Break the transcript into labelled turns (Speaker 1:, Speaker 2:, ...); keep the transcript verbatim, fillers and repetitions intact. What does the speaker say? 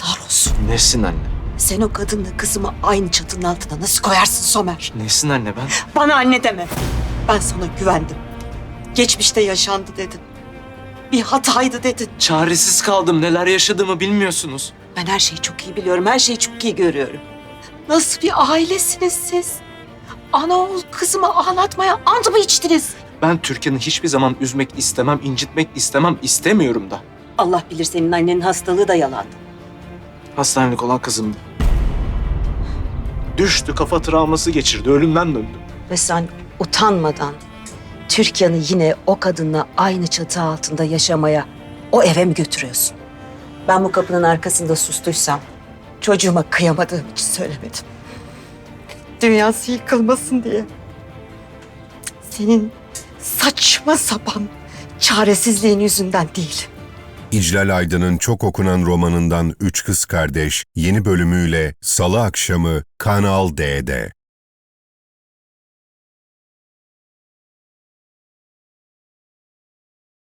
Speaker 1: Yazıklar olsun.
Speaker 2: Nesin anne?
Speaker 1: Sen o kadınla kızımı aynı çatının altına nasıl koyarsın Somer?
Speaker 2: Nesin anne ben?
Speaker 1: Bana anne deme. Ben sana güvendim. Geçmişte yaşandı dedin. Bir hataydı dedin.
Speaker 2: Çaresiz kaldım. Neler yaşadığımı bilmiyorsunuz.
Speaker 1: Ben her şeyi çok iyi biliyorum. Her şeyi çok iyi görüyorum. Nasıl bir ailesiniz siz? Ana oğul kızımı ağlatmaya ant mı içtiniz?
Speaker 2: Ben Türkan'ı hiçbir zaman üzmek istemem, incitmek istemem, istemiyorum da.
Speaker 1: Allah bilir senin annenin hastalığı da yalandı.
Speaker 2: Hastanelik olan kızımdı. Düştü, kafa travması geçirdi, ölümden döndü.
Speaker 1: Ve sen utanmadan Türkan'ı yine o kadınla aynı çatı altında yaşamaya, o eve mi götürüyorsun? Ben bu kapının arkasında sustuysam çocuğuma kıyamadığım için söylemedim. Dünyası yıkılmasın diye. Senin saçma sapan çaresizliğin yüzünden değil.
Speaker 3: İclal Aydın'ın çok okunan romanından Üç Kız Kardeş yeni bölümüyle Salı akşamı Kanal D'de.